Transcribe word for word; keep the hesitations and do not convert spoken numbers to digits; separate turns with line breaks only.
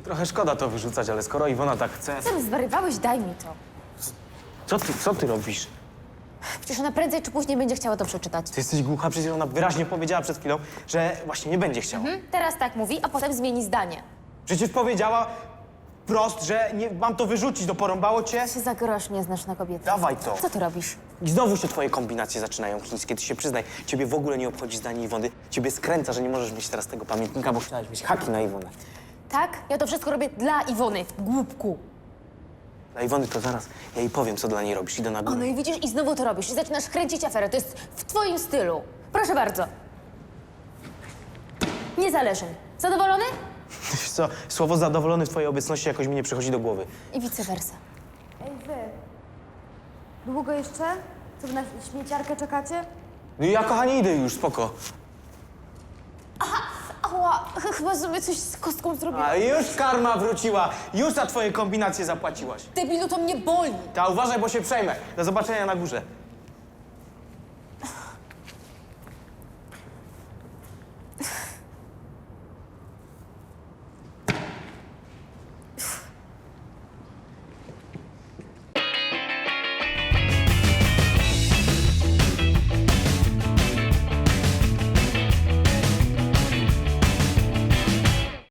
Trochę szkoda to wyrzucać, ale skoro Iwona tak chce...
Sam zwariowałeś, daj mi to.
Co ty, co ty robisz?
Przecież ona prędzej czy później będzie chciała to przeczytać.
Ty jesteś głucha, przecież ona wyraźnie powiedziała przed chwilą, że właśnie nie będzie chciała.
Mhm. Teraz tak mówi, a potem zmieni zdanie.
Przecież powiedziała wprost, że nie, mam to wyrzucić, to porąbało cię.
Ty się za grosz nie znasz na kobiety.
Dawaj to.
Co ty robisz?
I znowu się twoje kombinacje zaczynają chińskie. Ty się przyznaj, ciebie w ogóle nie obchodzi zdanie Iwony. Ciebie skręca, że nie możesz mieć teraz tego pamiętnika, bo chciałaś mieć haki na Iwonę.
Tak? Ja to wszystko robię dla Iwony, głupku.
Dla Iwony to zaraz ja jej powiem, co dla niej robisz. Idę na
O,
górę.
no i widzisz, i znowu to robisz. I zaczynasz kręcić aferę. To jest w twoim stylu. Proszę bardzo. Nie zależy. Zadowolony?
Wiesz co, słowo zadowolony w twojej obecności jakoś mi nie przychodzi do głowy.
I vice versa.
Ej, wy. Długo jeszcze? Co, wy na śmieciarkę czekacie?
No i ja, kochanie, idę już, spoko.
Ała, ch- chyba sobie coś z kostką zrobiłam.
A już karma wróciła. Już za twoje kombinacje zapłaciłaś.
Debilu, to mnie boli.
Ta uważaj, bo się przejmę. Do zobaczenia na górze.